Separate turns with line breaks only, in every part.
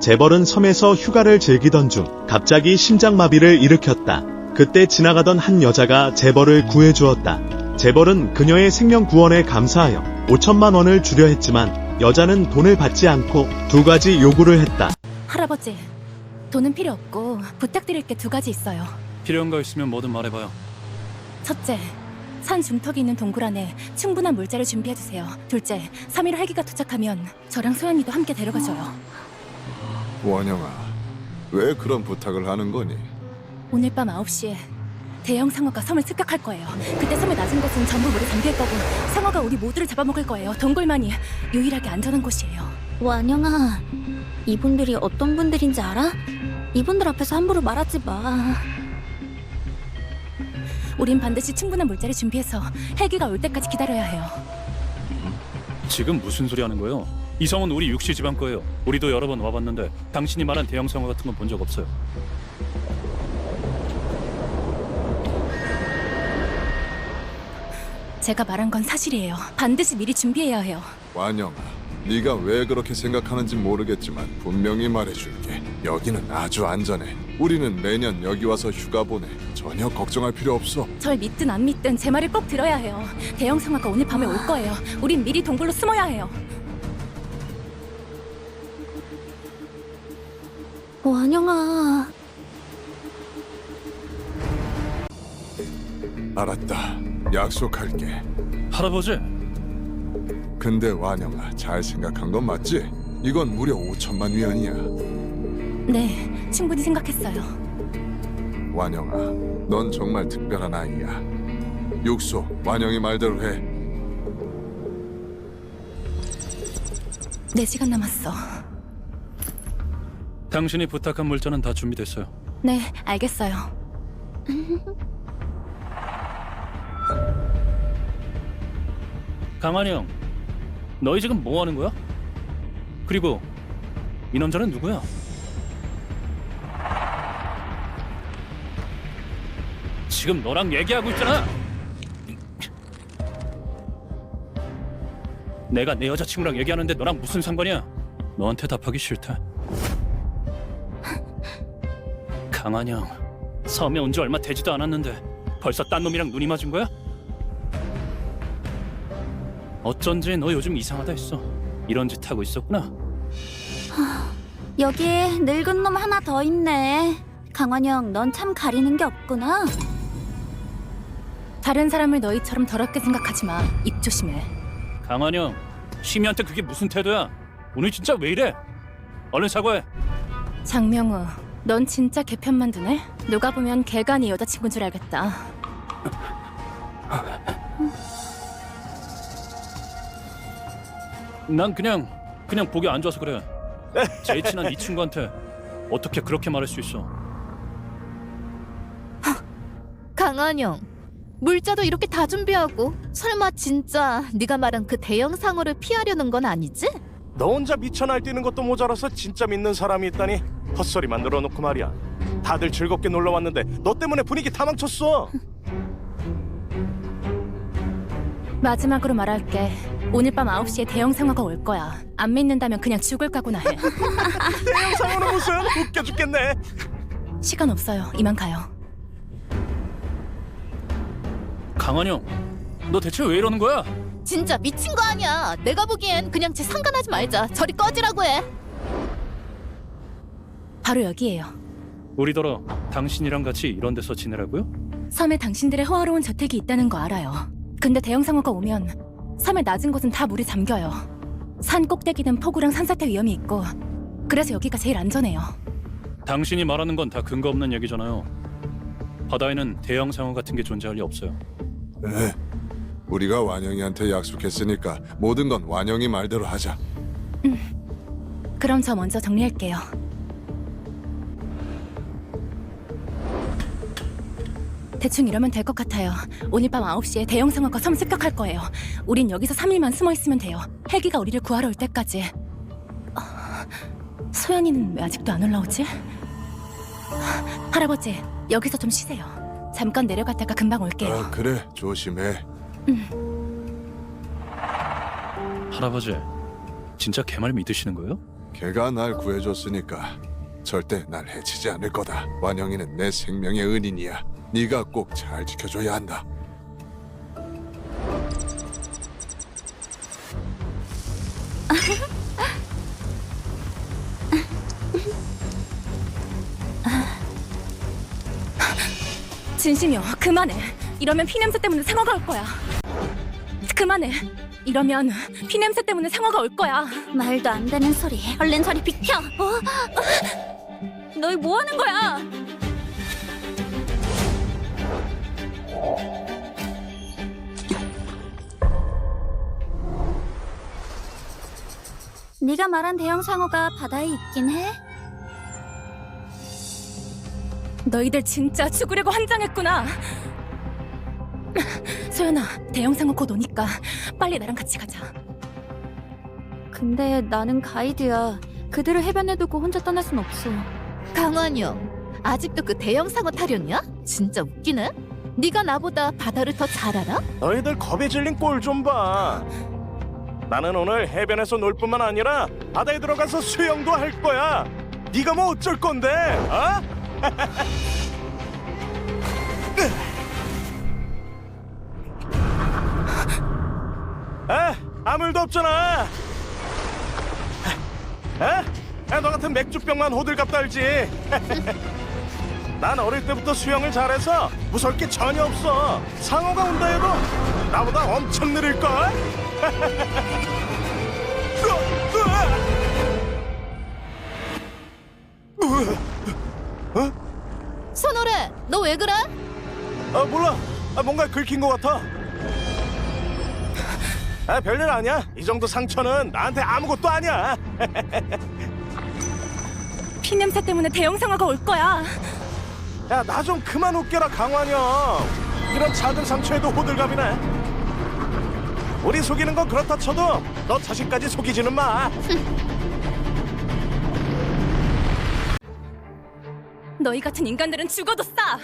재벌은 섬에서 휴가를 즐기던 중 갑자기 심장마비를 일으켰다. 그때 지나가던 한 여자가 재벌을 구해주었다. 재벌은 그녀의 생명 구원에 감사하여 5천만 원을 주려 했지만 여자는 돈을 받지 않고 두 가지 요구를 했다.
할아버지, 돈은 필요 없고 부탁드릴 게 두 가지 있어요.
필요한 거 있으면 뭐든 말해봐요.
첫째, 산 중턱이 있는 동굴 안에 충분한 물자를 준비해주세요. 둘째, 3일 헬기가 도착하면 저랑 소연이도 함께 데려가줘요.
원영아, 왜 그런 부탁을 하는 거니?
오늘 밤 9시에 대형 상어가 섬을 습격할 거예요. 그때 섬의 낮은 곳은 전부 물에 잠길 거고 상어가 우리 모두를 잡아먹을 거예요. 동굴만이 유일하게 안전한 곳이에요.
완영아, 이분들이 어떤 분들인지 알아? 이분들 앞에서 함부로 말하지 마.
우린 반드시 충분한 물자를 준비해서 헬기가 올 때까지 기다려야 해요.
지금 무슨 소리 하는 거예요? 이 성은 우리 육시 집안 거예요. 우리도 여러 번 와봤는데 당신이 말한 대형 상어 같은 건 본 적 없어요.
제가 말한 건 사실이에요. 반드시 미리 준비해야 해요.
완영아, 네가 왜 그렇게 생각하는지 모르겠지만 분명히 말해줄게. 여기는 아주 안전해. 우리는 매년 여기 와서 휴가 보내. 전혀 걱정할 필요 없어.
절 믿든 안 믿든 제 말을 꼭 들어야 해요. 대형 상어가 오늘 밤에 올 거예요. 우린 미리 동굴로 숨어야 해요.
완영아,
알았다. 약속할게.
할아버지,
근데 완영아, 잘 생각한 건 맞지? 이건 무려 5천만 위안이야.
네, 충분히 생각했어요.
완영아, 넌 정말 특별한 아이야. 육소, 완영이 말대로 해.
4시간 남았어.
당신이 부탁한 물자는 다 준비됐어요.
네, 알겠어요.
강한이 형, 너희 지금 뭐 하는 거야? 그리고 이 남자는 누구야? 지금 너랑 얘기하고 있잖아. 내가 내 여자친구랑 얘기하는데 너랑 무슨 상관이야? 너한테 답하기 싫다. 강한이 형, 섬에 온 지 얼마 되지도 않았는데 벌써 딴 놈이랑 눈이 맞은 거야? 어쩐지 너 요즘 이상하다 했어. 이런 짓 하고 있었구나.
여기에 늙은 놈 하나 더 있네. 강완영, 넌 참 가리는 게 없구나.
다른 사람을 너희처럼 더럽게 생각하지 마. 입 조심해.
강한이 형, 시미한테 그게 무슨 태도야? 오늘 진짜 왜 이래? 얼른 사과해.
장명우, 넌 진짜 개편만 두네? 누가 보면 걔가 네 여자친구인 줄 알겠다.
난 그냥 보기 안 좋아서 그래. 제일 친한 이 친구한테 어떻게 그렇게 말할 수 있어?
강한영, 물자도 이렇게 다 준비하고 설마 진짜 네가 말한 그 대형 상어를 피하려는 건 아니지?
너 혼자 미쳐 날뛰는 것도 모자라서 진짜 믿는 사람이 있다니 헛소리만 늘어놓고 말이야. 다들 즐겁게 놀러 왔는데 너 때문에 분위기 다 망쳤어.
마지막으로 말할게. 오늘 밤 9시에 대형 상어가 올 거야. 안 믿는다면 그냥 죽을 각오나 해.
대형 상어는 무슨 웃겨 죽겠네.
시간 없어요. 이만 가요.
강한이 형, 너 대체 왜 이러는 거야?
진짜 미친 거 아니야. 내가 보기엔 그냥 쟤 상관하지 말자. 저리 꺼지라고 해.
바로 여기예요.
우리더러 당신이랑 같이 이런 데서 지내라고요?
섬에 당신들의 호화로운 저택이 있다는 거 알아요. 근데 대형 상어가 오면 섬의 낮은 곳은 다 물에 잠겨요. 산 꼭대기는 폭우랑 산사태 위험이 있고 그래서 여기가 제일 안전해요.
당신이 말하는 건 다 근거 없는 얘기잖아요. 바다에는 대형 상어 같은 게 존재할 리 없어요.
에, 우리가 완영이한테 약속했으니까 모든 건 완영이 말대로 하자.
그럼 저 먼저 정리할게요. 대충 이러면 될 것 같아요. 오늘 밤 9시에 대형 상어가 섬 습격할 거예요. 우린 여기서 3일만 숨어 있으면 돼요. 헬기가 우리를 구하러 올 때까지. 소연이는 왜 아직도 안 올라오지? 할아버지, 여기서 좀 쉬세요. 잠깐 내려갔다가 금방 올게요.
아, 그래, 조심해.
할아버지, 진짜 걔 말 믿으시는 거예요?
걔가 날 구해줬으니까 절대 날 해치지 않을 거다. 완영이는 내 생명의 은인이야. 네가 꼭 잘 지켜줘야 한다.
진심이요, 그만해. 이러면 피냄새 때문에 상어가 올 거야. 그만해. 이러면 피냄새 때문에 상어가 올 거야.
말도 안 되는 소리. 얼른 저리 비켜. 너희 뭐 하는 거야? 네가 말한 대형 상어가 바다에 있긴 해?
너희들 진짜 죽으려고 환장했구나. 소연아, 대형 상어 곧 오니까 빨리 나랑 같이 가자.
근데 나는 가이드야. 그들을 해변에 두고 혼자 떠날 순 없어.
강환영, 아직도 그 대형 상어 타령이야? 진짜 웃기네. 네가 나보다 바다를 더 잘 알아?
너희들 겁에 질린 꼴 좀 봐. 나는 오늘 해변에서 놀 뿐만 아니라 바다에 들어가서 수영도 할 거야. 네가 뭐 어쩔 건데? 어? 아무 일도 없잖아. 너 같은 맥주병만 호들갑 떨지. 난 어릴 때부터 수영을 잘해서 무서울 게 전혀 없어. 상어가 온다 해도 나보다 엄청 느릴걸?
손오래, 너 왜 그래?
몰라. 뭔가 긁힌 것 같아. 별일 아니야. 이 정도 상처는 나한테 아무것도 아니야.
피냄새 때문에 대형 상어가 올 거야.
야, 나 좀 그만 웃겨라, 강환영. 이런 작은 상처에도 호들갑이네. 우리 속이는 건 그렇다 쳐도 너 자신까지 속이지는 마.
너희 같은 인간들은 죽어도 싸.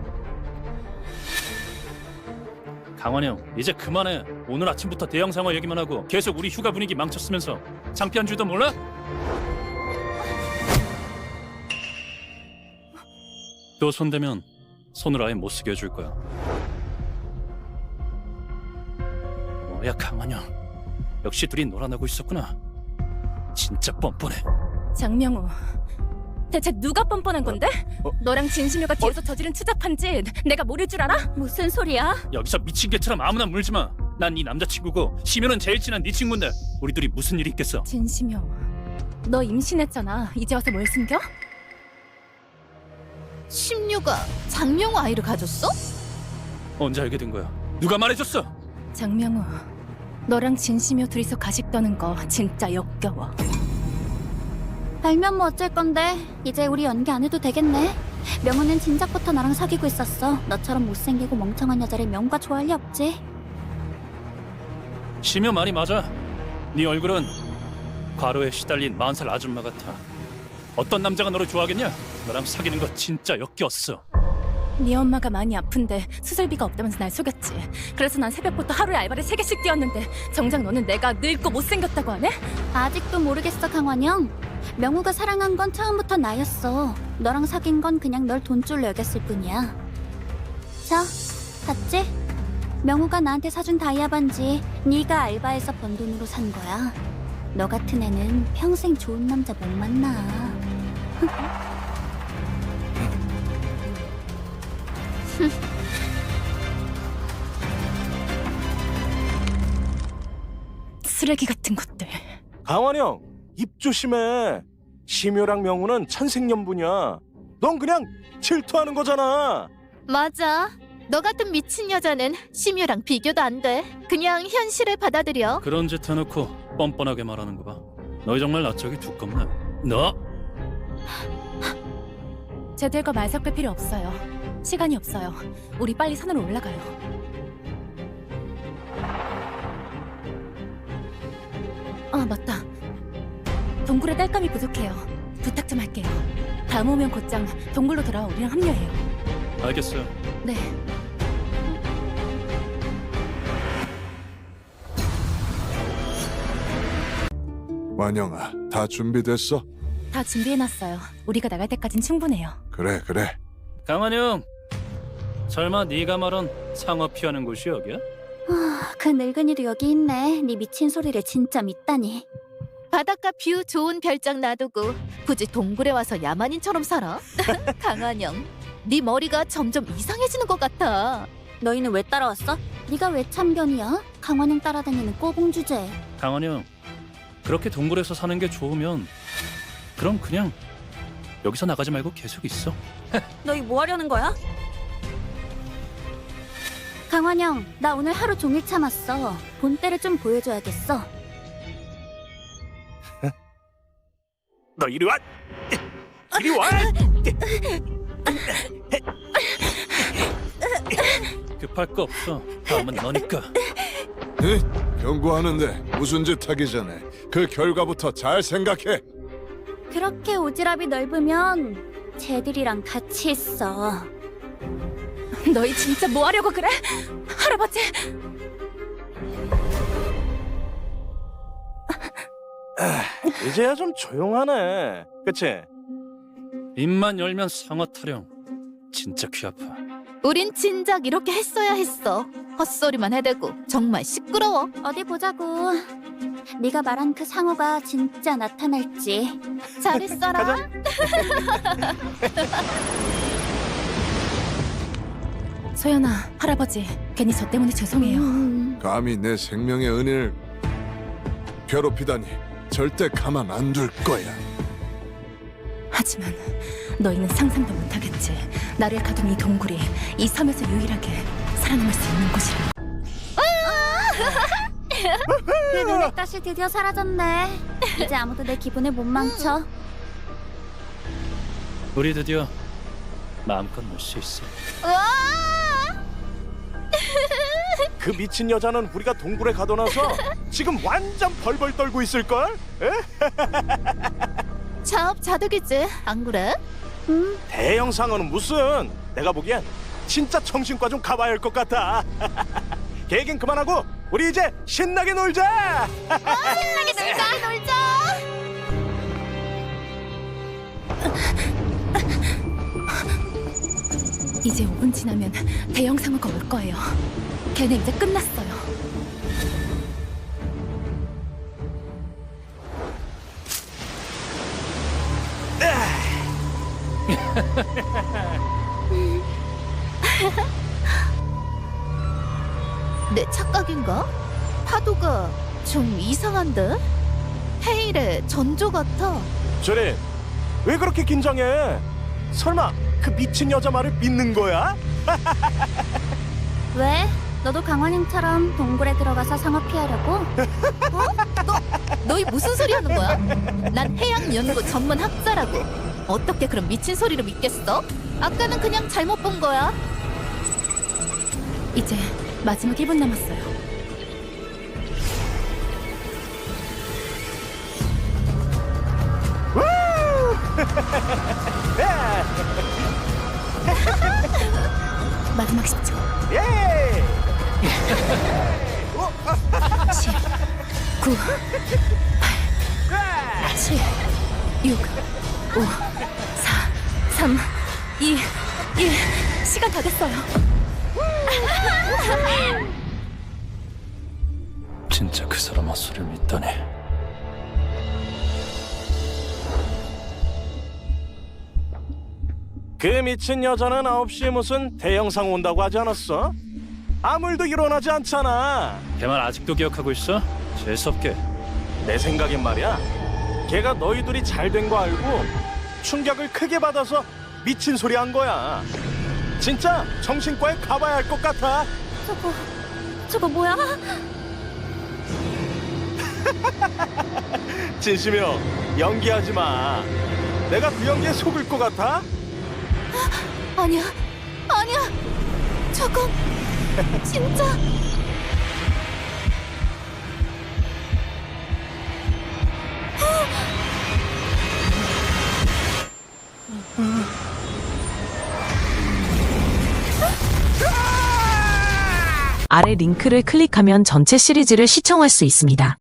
강환영, 이제 그만해. 오늘 아침부터 대형 상어 얘기만 하고 계속 우리 휴가 분위기 망쳤으면서 창피한 줄도 몰라? 또 손대면 손을 아예 못 쓰게 해줄 거야. 뭐야, 강환영. 역시 둘이 놀아나고 있었구나. 진짜 뻔뻔해.
장명우, 대체 누가 뻔뻔한 건데? 너랑 진심이가 뒤에서 저지른 추잡한 짓 내가 모를 줄 알아?
무슨 소리야?
여기서 미친 개처럼 아무나 물지 마. 난 네 남자친구고 심효는 제일 친한 네 친구인데 우리 둘이 무슨 일이 있겠어?
진심이요, 너 임신했잖아. 이제 와서 뭘 숨겨?
심유가 장명우 아이를 가졌어?
언제 알게 된 거야? 누가 말해줬어?
장명우, 너랑 진심이요 둘이서 가식 떠는 거 진짜 역겨워.
알면 뭐 어쩔 건데. 이제 우리 연기 안 해도 되겠네. 명우는 진작부터 나랑 사귀고 있었어. 너처럼 못생기고 멍청한 여자를 명우가 좋아할 리 없지.
심효 말이 맞아. 네 얼굴은 과로에 시달린 40살 아줌마 같아. 어떤 남자가 너를 좋아하겠냐? 너랑 사귀는 거 진짜 역겨웠어.
네 엄마가 많이 아픈데 수술비가 없다면서 날 속였지. 그래서 난 새벽부터 하루에 알바를 3개씩 뛰었는데 정작 너는 내가 늙고 못생겼다고 하네?
아직도 모르겠어, 강환영. 명우가 사랑한 건 처음부터 나였어. 너랑 사귄 건 그냥 널 돈줄로 여겼을 뿐이야. 자, 봤지? 명우가 나한테 사준 다이아 반지 네가 알바해서 번 돈으로 산 거야. 너 같은 애는 평생 좋은 남자 못 만나.
쓰레기 같은 것들.
강환영, 입 조심해. 심효랑 명우는 천생연분이야. 넌 그냥 질투하는 거잖아.
맞아. 너 같은 미친 여자는 심유랑 비교도 안 돼. 그냥 현실을 받아들여.
그런 짓 해놓고 뻔뻔하게 말하는 거 봐. 너희 정말 낯짝이 두껍네. 너?
쟤들과 말 섞을 필요 없어요. 시간이 없어요. 우리 빨리 산으로 올라가요. 맞다. 동굴에 딸감이 부족해요. 부탁 좀 할게요. 다음 오면 곧장 동굴로 돌아와 우리랑 합류해요.
알겠어요.
네.
완영아, 다 준비됐어?
다 준비해놨어요. 우리가 나갈 때까진 충분해요.
그래, 그래.
강한영, 설마 네가 말한 상어 피하는 곳이 여기야?
그 늙은이도 여기 있네. 네 미친 소리를 진짜 믿다니.
바닷가 뷰 좋은 별장 놔두고 굳이 동굴에 와서 야만인처럼 살아? 강한영, 네 머리가 점점 이상해지는 것 같아.
너희는 왜 따라왔어? 네가 왜 참견이야? 강환영 따라다니는 꼬봉 주제.
강한영, 그렇게 동굴에서 사는 게 좋으면 그럼 그냥 여기서 나가지 말고 계속 있어.
너희 뭐 하려는 거야? 강환영, 나 오늘 하루 종일 참았어. 본때를 좀 보여줘야겠어.
너 이리 와. 이리 와.
급할 거 없어. 다음은 너니까.
경고하는데 무슨 짓 하기 전에 그 결과부터 잘 생각해.
그렇게 오지랖이 넓으면 쟤들이랑 같이 있어.
너희 진짜 뭐 하려고 그래? 할아버지!
이제야 좀 조용하네. 그치?
입만 열면 상어 타령. 진짜 귀 아파.
우린 진작 이렇게 했어야 했어. 헛소리만 해대고 정말 시끄러워.
어디 보자고. 네가 말한 그 상어가 진짜 나타날지.
잘했어라.
소연아, 할아버지, 괜히 저 때문에 죄송해요.
감히 내 생명의 은혜를 괴롭히다니 절대 가만 안 둘 거야.
하지만 너희는 상상도 못하겠지. 나를 가둔 이 동굴이 이 섬에서 유일하게 살아남을 수 있는 곳이라고.
그 눈의 가시 드디어 사라졌네. 이제 아무도 내 기분을 못 망쳐.
우리 드디어 마음껏 놀 수 있어.
그 미친 여자는 우리가 동굴에 가둬놔서 지금 완전 벌벌 떨고 있을걸?
자업자득이지, 안 그래?
대형 상어는 무슨? 내가 보기엔 진짜 정신과 좀 가봐야 할 것 같아. 걔긴 그만하고 우리 이제 신나게 놀자.
신나게 놀자.
이제 5분 지나면 대형 상어가 올 거예요. 걔네 이제 끝났어요.
내 착각인가? 파도가 좀 이상한데? 헤일의 전조 같아.
저리 왜 그렇게 긴장해? 설마 그 미친 여자 말을 믿는 거야?
왜? 너도 강환영처럼 동굴에 들어가서 상어 피하려고?
너희 무슨 소리 하는 거야? 난 해양연구 전문 학자라고. 어떻게 그런 미친 소리를 믿겠어? 아까는 그냥 잘못 본 거야.
이제 마지막 1분 남았어요. 마지막 10초.
예!
10, 9, 8, 7, 6, 5, 4, 3, 2, 1. 시간 다 됐어요.
진짜 그 사람 헛소리를 믿다니.
그 미친 여자는 9시에 무슨 대형 상어 온다고 하지 않았어? 아무 일도 일어나지 않잖아.
걔 말 아직도 기억하고 있어? 재수없게.
내 생각엔 말이야. 걔가 너희 둘이 잘 된 거 알고 충격을 크게 받아서 미친 소리 한 거야. 진짜 정신과에 가봐야 할 것 같아.
저거 뭐야?
진심이요. 연기하지 마. 내가 그 연기에 속을 것 같아?
아니야, 아니야. 저건 진짜.
아래 링크를 클릭하면 전체 시리즈를 시청할 수 있습니다.